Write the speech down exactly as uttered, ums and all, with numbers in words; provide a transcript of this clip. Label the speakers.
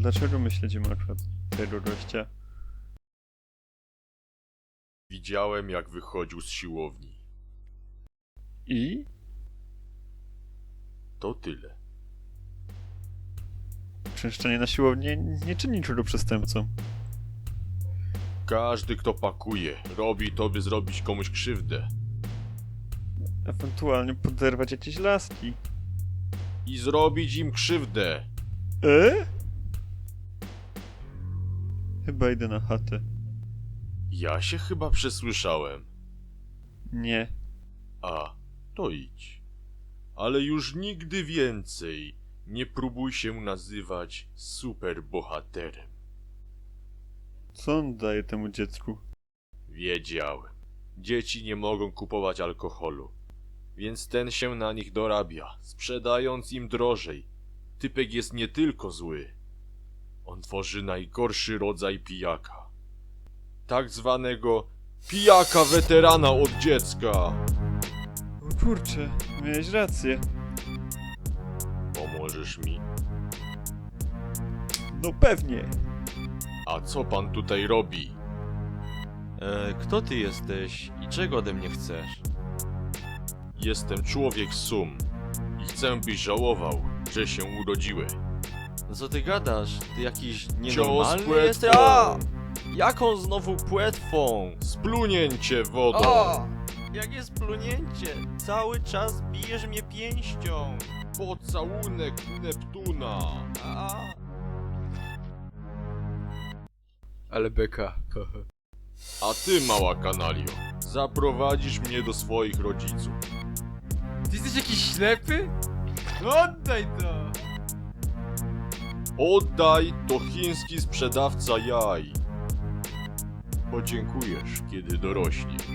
Speaker 1: Dlaczego my śledzimy akurat tego gościa?
Speaker 2: Widziałem, jak wychodził z siłowni.
Speaker 1: I?
Speaker 2: To tyle.
Speaker 1: Częszczenie na siłowni nie czyni niczego przestępcą.
Speaker 2: Każdy, kto pakuje, robi to, by zrobić komuś krzywdę.
Speaker 1: Ewentualnie poderwać jakieś laski.
Speaker 2: I zrobić im krzywdę.
Speaker 1: E? Chyba idę na chatę.
Speaker 2: Ja się chyba przesłyszałem.
Speaker 1: Nie.
Speaker 2: A, to idź. Ale już nigdy więcej nie próbuj się nazywać superbohaterem.
Speaker 1: Co on daje temu dziecku?
Speaker 2: Wiedziałem. Dzieci nie mogą kupować alkoholu. Więc ten się na nich dorabia, sprzedając im drożej. Typek jest nie tylko zły. On tworzy najgorszy rodzaj pijaka. Tak zwanego pijaka weterana od dziecka.
Speaker 1: O kurczę, miałeś rację.
Speaker 2: Pomożesz mi?
Speaker 1: No pewnie.
Speaker 2: A co pan tutaj robi?
Speaker 3: E, kto ty jesteś i czego ode mnie chcesz?
Speaker 2: Jestem człowiek sum i chcę, byś żałował, że się urodziłeś.
Speaker 3: No co ty gadasz? Ty jakiś
Speaker 2: Cios
Speaker 3: nienormalny
Speaker 2: płetwą.
Speaker 3: jesteś? A! Jaką znowu płetwą?
Speaker 2: Splunięcie wodą.
Speaker 3: O! Jakie splunięcie? Cały czas bijesz mnie pięścią.
Speaker 2: Pocałunek Neptuna.
Speaker 3: A!
Speaker 4: Ale beka.
Speaker 2: A ty, mała kanalio, zaprowadzisz mnie do swoich rodziców.
Speaker 4: Ty jesteś jakiś ślepy? Oddaj to!
Speaker 2: Oddaj, to chiński sprzedawca jaj. Podziękujesz, kiedy dorośniesz.